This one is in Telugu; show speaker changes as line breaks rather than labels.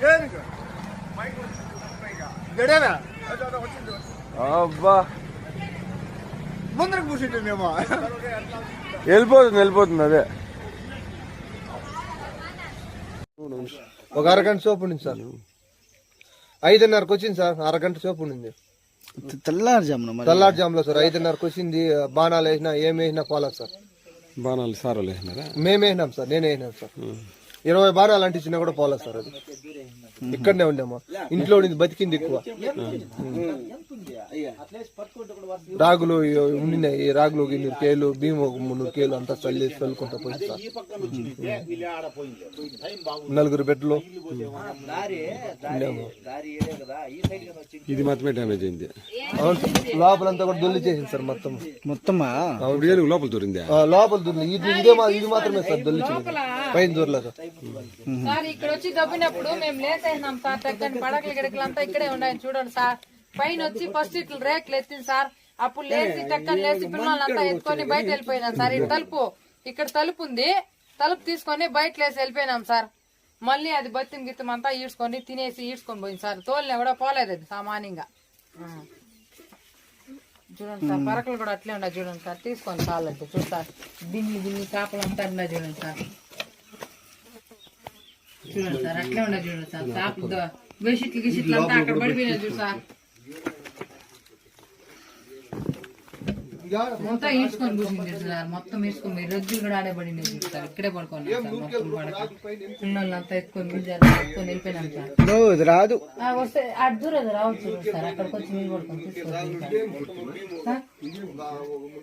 అబ్బా
ముందరకు కూర్చుంటుందేమో
వెళ్ళిపోతుంది అదే.
ఒక అరగంట సోపు ఉండింది సార్, 5:30కి వచ్చింది సార్. అరగంట సోపు ఉండింది తెల్లారుజాములో సార్. 5:30కి వచ్చింది. బాణాలు వేసినా ఏం వేసినా పోలేదు సార్.
బాణాలు సార్ వేసినారా?
మేము వేసినాం సార్, నేనే వేసినాను సార్. 20 బాణాలు అంటించినా కూడా పోలేదు సార్. అది ఇక్కడనే ఉండేమో, ఇంట్లో ఉండింది, బతికింది ఎక్కువ. రాగులు ఉండినాయి, రాగులు 200 కేలు, బియ్యం 300 కేలు అంతా చల్లుకుంటా పోయింది సార్. 4 బెడ్లు
ఇది మాత్రమే డ్యామేజ్ అయింది.
అవును సార్, లోపలంతా కూడా దొల్లి చేసింది సార్ మొత్తం.
లోపల దొరింది,
లోపల దొల్లి. ఇది మాత్రమే సార్ దొల్లిచింది, పైన దొరలేదు
సార్. ఇక్కడ వచ్చి దబ్బినప్పుడు మేము లేసేసినాం సార్. చక్కని పడకలు గిడకలు అంతా ఇక్కడే ఉన్నాయని చూడండి సార్. పైన వచ్చి ఫస్ట్ ఇట్లా రేకులు ఎత్తింది సార్. అప్పుడు లేచి చక్కని లేచి పిల్లలంతా ఎత్తుకొని బయట వెళ్ళిపోయినాం సార్. ఇటు తలుపు, ఇక్కడ తలుపు ఉంది, తలుపు తీసుకొని బయట లేసి వెళ్ళిపోయినాం సార్. మళ్ళీ అది బతిం గిత్తం అంతా ఈడ్చుకొని తినేసి ఈడ్చుకొని పోయింది సార్. తోలిన కూడా పోలేదు అది సామాన్యంగా. చూడండి సార్, పరకలు కూడా అట్లే ఉన్నాయి చూడండి సార్. తీసుకొని చాలంటే చూస్తారు, బిన్ని చేపలు అంతా ఉన్నాయి చూడండి సార్. చూడండి సార్, అట్లే ఉన్నాయి చూడండి సార్. చేపలు బెడ్షీట్లు గిషిట్లు అంతా అక్కడ పడిపోయినాయి చూడు సార్. మొత్తం ఈడ్చుకొని కూర్చుంది సార్. మొత్తం ఈడ్చుకొని రజ్జులు కూడా ఆడే పడినాయి సార్. ఇక్కడే పడుకోండి సార్. మొత్తం పడక పిల్లలంతా ఎత్తుకొని ఎత్తుకొని వెళ్ళిపోయినాం సార్.
రాదు
వస్తే అటు దూరం రావచ్చు సార్. అక్కడికి వచ్చి మీరు పడుకొని తీసుకొని